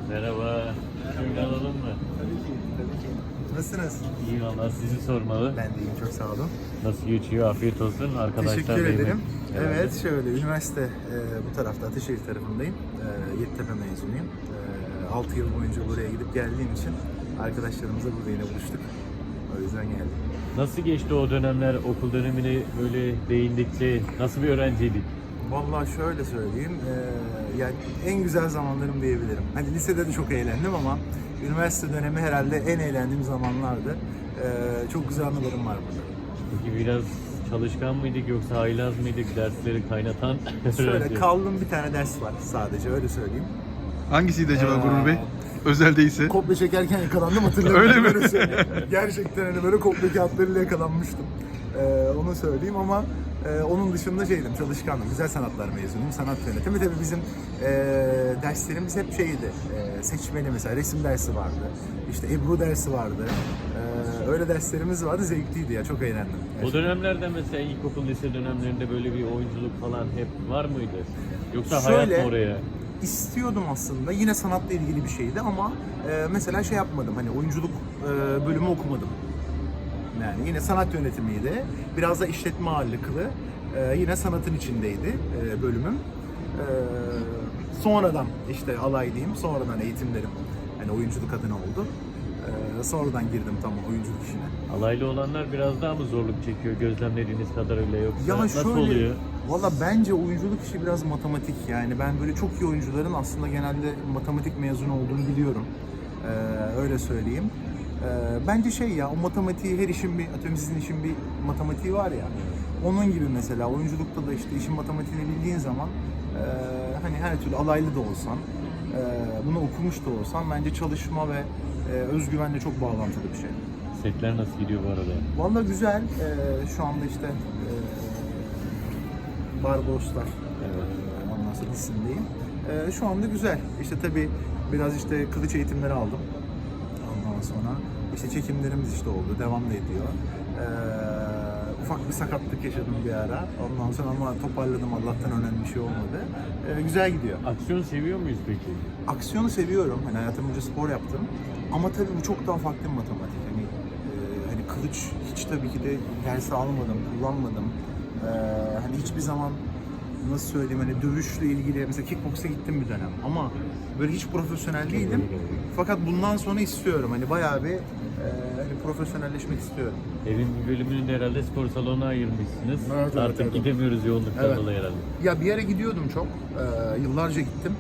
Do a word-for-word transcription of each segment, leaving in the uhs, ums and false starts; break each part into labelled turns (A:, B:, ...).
A: Merhaba. Şöyle alalım mı?
B: Tabii ki, tabii ki. Nasılsınız?
A: İyi valla sizi sormalı.
B: Ben de iyiyim, çok sağ olun.
A: Nasıl geçiyor? Afiyet olsun. Arkadaşlar
B: Teşekkür
A: değil mi?
B: ederim.
A: Herhalde.
B: Evet, şöyle üniversite e, bu tarafta Ataşehir tarafındayım. E, Yeditepe mezunuyum. E, altı yıl boyunca buraya gidip geldiğim için arkadaşlarımızla burada yine buluştuk. O yüzden geldim.
A: Nasıl geçti o dönemler? Okul dönemini böyle değindikçe nasıl bir öğrenciydik?
B: Vallahi şöyle söyleyeyim, e, yani en güzel zamanlarım diyebilirim. Hani lisede de çok eğlendim ama üniversite dönemi herhalde en eğlendiğim zamanlardı. E, çok güzel anılarım var burada.
A: Peki biraz çalışkan mıydık yoksa haylaz mıydık? Dersleri kaynatan
B: Şöyle
A: öğrenci.
B: kaldığım bir tane ders var sadece, öyle söyleyeyim.
C: Hangisiydi acaba
B: Ee,
C: Gurur Bey? Özel değilse.
B: Kopya çekerken yakalandım, hatırlıyorum.
C: Öyle mi?
B: Böyle söyleyeyim. Gerçekten hani böyle kopya kağıtlarıyla yakalanmıştım. Ee, onu söyleyeyim ama e, onun dışında şeydim, çalışkandım. Güzel sanatlar mezunuyum, sanat yönetimi. Tabii bizim e, derslerimiz hep şeydi, e, seçmeli mesela, resim dersi vardı. İşte Ebru dersi vardı. E, öyle derslerimiz vardı, zevkliydi ya, çok eğlendim.
A: O dönemlerde mesela ilkokul, lise dönemlerinde böyle bir oyunculuk falan hep var mıydı? Yoksa
B: Şöyle-
A: hayat mı oraya?
B: İstiyordum aslında. Yine sanatla ilgili bir şeydi ama e, mesela şey yapmadım. Hani oyunculuk e, bölümü okumadım. Yani yine sanat yönetimiydi. Biraz da işletme ağırlıklı. E, yine sanatın içindeydi e, bölümüm. E, sonradan işte alay diyeyim, sonradan eğitimlerim hani oyunculuk adına oldu. E, sonradan girdim tam oyunculuk işine.
A: Alaylı olanlar biraz daha mı zorluk çekiyor gözlemlediğiniz kadarıyla yoksa
B: Ya
A: nasıl
B: şöyle,
A: oluyor?
B: valla bence oyunculuk işi biraz matematik, yani ben böyle çok iyi oyuncuların aslında genelde matematik mezunu olduğunu biliyorum. Ee, öyle söyleyeyim. Ee, bence şey ya, o matematiği, her işin bir, atıyorum sizin işin bir matematiği var ya. Onun gibi mesela oyunculukta da işte işin matematiğini bildiğin zaman e, hani her türlü alaylı da olsan, e, bunu okumuş da olsan bence çalışma ve e, özgüvenle çok bağlantılı bir şey.
A: Setler nasıl gidiyor bu arada?
B: Vallahi güzel. Ee, şu anda işte e, Barbaroslar
A: Evet.
B: e, ondan sonra dizisindeyim. E, şu anda güzel. İşte tabii biraz işte kılıç eğitimleri aldım. Ondan sonra işte çekimlerimiz işte oldu. Devam da ediyor. E, ufak bir sakatlık yaşadım bir ara. Ondan sonra ama toparladım. Allah'tan önemli bir şey olmadı. E, güzel gidiyor.
A: Aksiyon seviyor muyuz peki?
B: Aksiyonu seviyorum. Hani hayatım boyunca spor yaptım. Ama tabii bu çok daha farklı bir matematik. Hani e, hani kılıç hiç tabii ki de ders almadım, kullanmadım. E, hani hiçbir zaman nasıl söyleyeyim, hani dövüşle ilgili mesela kickboksa gittim bir dönem ama böyle hiç profesyonel değilim. Fakat bundan sonra istiyorum. Hani bayağı bir e, hani profesyonelleşmek istiyorum.
A: Evin bir bölümünü de herhalde spor salonuna ayırmışsınız.
B: Evet, evet,
A: Artık
B: evet.
A: gidemiyoruz yoğunluktan
B: Evet.
A: dolayı herhalde.
B: Ya bir yere gidiyordum çok. Ee, yıllarca gittim.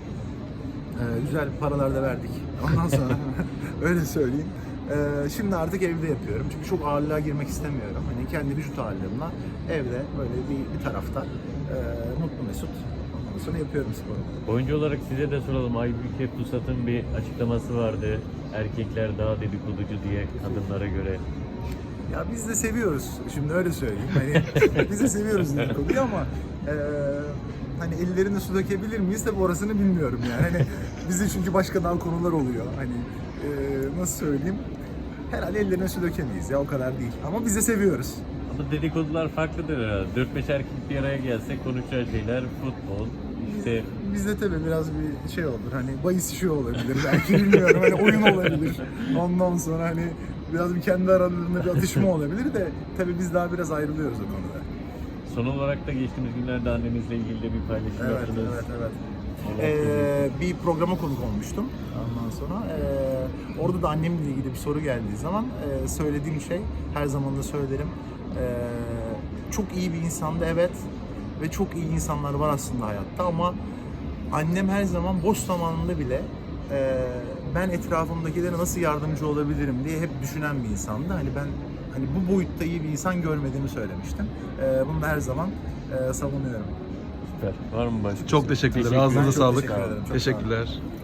B: Ee, güzel paralar da verdik. Ondan sonra öyle söyleyeyim. Ee, şimdi artık evde yapıyorum. Çünkü çok ağırlığa girmek istemiyorum. Hani kendi vücut ağırlığımla evde böyle bir, bir tarafta e, mutlu mesut. Ondan sonra yapıyorum sporu.
A: Oyuncu olarak size de soralım. Aybüke Pusat'ın bir açıklaması vardı. Erkekler daha dedikoducu diye kadınlara göre.
B: Ya biz de seviyoruz. Şimdi öyle söyleyeyim. Hani biz de seviyoruz dedikoduyu ama e, hani ellerine su dökebilir miyiz tabii orasını bilmiyorum yani. Hani bizde çünkü başka daha konular oluyor. Hani e, nasıl söyleyeyim? Herhalde ellerine su dökemeyiz ya, o kadar değil. Ama biz de seviyoruz.
A: Ama dedikodular farklıdır herhalde. dört beş erkek bir araya gelse konuşacağı şeyler futbol, işte
B: Bizde tabii biraz bir şey olur. Hani bahis işi olabilir. Belki bilmiyorum. Hani oyun olabilir. Ondan sonra hani biraz bir kendi aralarında bir atışma olabilir de tabii biz daha biraz ayrılıyoruz o konuda.
A: son olarak da geçtiğimiz günlerde annenizle ilgili de bir paylaşım
B: Evet,
A: yaptınız.
B: evet, evet.
A: Allah
B: Ee, bir programa konuk olmuştum ondan sonra. Ee, orada da annemle ilgili bir soru geldiği zaman e, söylediğim şey, her zaman da söylerim. Ee, çok iyi bir insandı evet ve çok iyi insanlar var aslında hayatta ama annem her zaman boş zamanında bile e, ben etrafımdakilere nasıl yardımcı olabilirim diye hep düşünen bir insandı. Hani ben hani bu boyutta iyi bir insan görmediğimi söylemiştim. Ee, bunu da her zaman e, savunuyorum.
A: Süper. Var mı başka?
C: Çok teşekkürler.
A: Teşekkürler.
C: Ağzınıza
B: Çok
C: sağlık.
B: teşekkür ederim, çok sağ olun.
C: Teşekkürler.